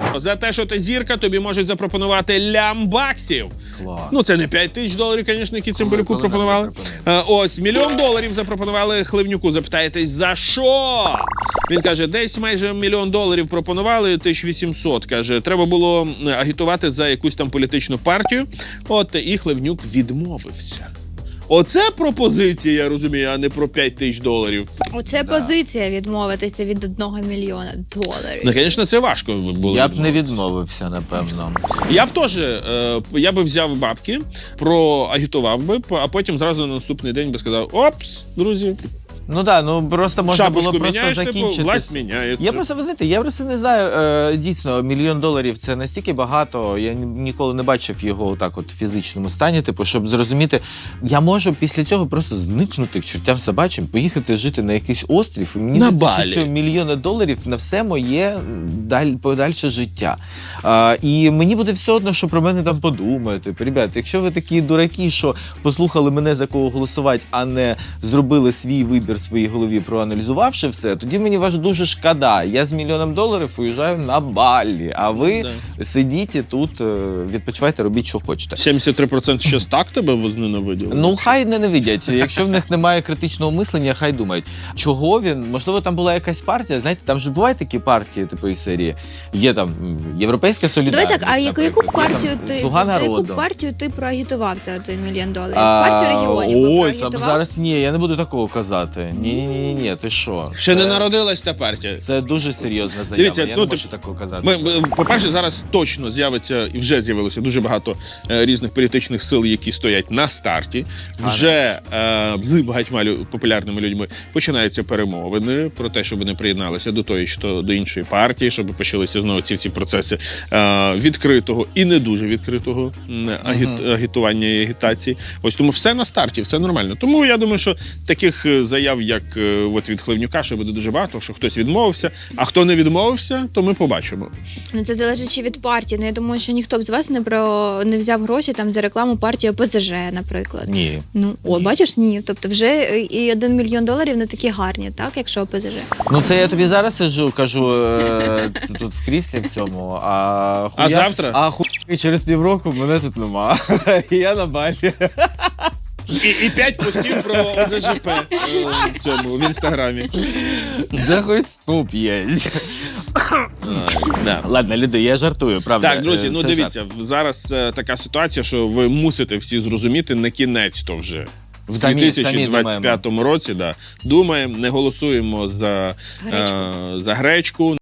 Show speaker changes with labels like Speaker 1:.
Speaker 1: За те, що ти зірка, тобі можуть запропонувати лямбаксів.
Speaker 2: Клас.
Speaker 1: Ну, це не 5 тисяч доларів, звісно, які Цимбалюку пропонували. Ось, $1 мільйон запропонували Хливнюку. Запитаєтесь, за що? Він каже, десь майже $1 мільйон пропонували, 1800. Каже, треба було агітувати за якусь там політичну партію. От, і Хливнюк відмовився. Оце пропозиція, я розумію, а не про 5 тисяч доларів.
Speaker 3: Оце позиція відмовитися від $1 мільйона.
Speaker 1: Ну, звісно, це важко було.
Speaker 2: Я б не відмовився, напевно.
Speaker 1: Я б теж, я би взяв бабки, проагітував би, а потім зразу на наступний день би сказав, опс, друзі.
Speaker 2: Ну так, ну просто можна
Speaker 1: Шапочку
Speaker 2: було просто
Speaker 1: міняєш,
Speaker 2: закінчити.
Speaker 1: типу, власть міняється.
Speaker 2: Я просто, ви знаєте, я просто не знаю, дійсно, $1 мільйон це настільки багато, я ніколи не бачив його так от в фізичному стані, типу, щоб зрозуміти, я можу після цього просто зникнути к чортям собачим, поїхати жити на якийсь острів, і мені вистачить цього $1 мільйона на все моє подальше життя. І мені буде все одно, що про мене там подумають. Типу, ребят, якщо ви такі дураки, що послухали мене, за кого голосувати, а не зробили свій вибір в своїй голові, проаналізувавши все, тоді мені вас дуже шкода. Я з $1 мільйоном уїжджаю на Балі, а ви сидіть і тут, відпочивайте, робіть, що хочете.
Speaker 1: 73% ще так тебе возненавиділи?
Speaker 2: Ну, хай ненавидять. Якщо в них немає критичного мислення, хай думають. Чого він? Можливо, там була якась партія, знаєте, там же бувають такі партії, типу, із серії. Є там Європейська солідарність,
Speaker 3: Давай так, а яку партію ти,
Speaker 2: Слуга
Speaker 3: за яку
Speaker 2: народу.
Speaker 3: партію ти проагітував за $1 мільйон? Партію регіонів би
Speaker 2: Ой,
Speaker 3: проагітував?
Speaker 2: зараз ні, я не буду такого казати. Ні, ти що?
Speaker 1: Ще не народилась та партія.
Speaker 2: Це дуже серйозна заява,
Speaker 1: Дивіться,
Speaker 2: я
Speaker 1: ну,
Speaker 2: не можу такого казати.
Speaker 1: По-перше, зараз точно з'явиться, і вже з'явилося дуже багато різних політичних сил, які стоять на старті. Вже з багатьма популярними людьми починаються перемовини про те, щоб вони приєдналися до тої, що до іншої партії, щоб почалися знову ці всі процеси відкритого і не дуже відкритого агітування і агітації. Ось тому все на старті, все нормально. Тому я думаю, що таких заяв, як от від Хливнюка, що буде дуже багато, що хтось відмовився, а хто не відмовився, то ми побачимо.
Speaker 3: Ну, це залежить ще від партії. Ну, я думаю, що ніхто б з вас не взяв гроші там за рекламу партії ОПЗЖ, наприклад.
Speaker 2: Ні.
Speaker 3: Ну, о, бачиш, ні. Тобто вже і $1 мільйон не такі гарні, так, якщо ОПЗЖ.
Speaker 2: Ну, це я тобі зараз сиджу, кажу, тут в кріслі в цьому, а
Speaker 1: завтра?
Speaker 2: А через півроку мене тут нема. Я на Балі.
Speaker 1: І 5 постів про ОЗЖП в інстаграмі.
Speaker 2: Да хоч стоп є. Ладно, люди, я жартую, правда.
Speaker 1: Так, друзі, ну
Speaker 2: Це
Speaker 1: дивіться,
Speaker 2: жарт.
Speaker 1: зараз така ситуація, що ви мусите всі зрозуміти на кінець то вже. В
Speaker 2: Самі
Speaker 1: 2025 році думаємо, не голосуємо за гречку.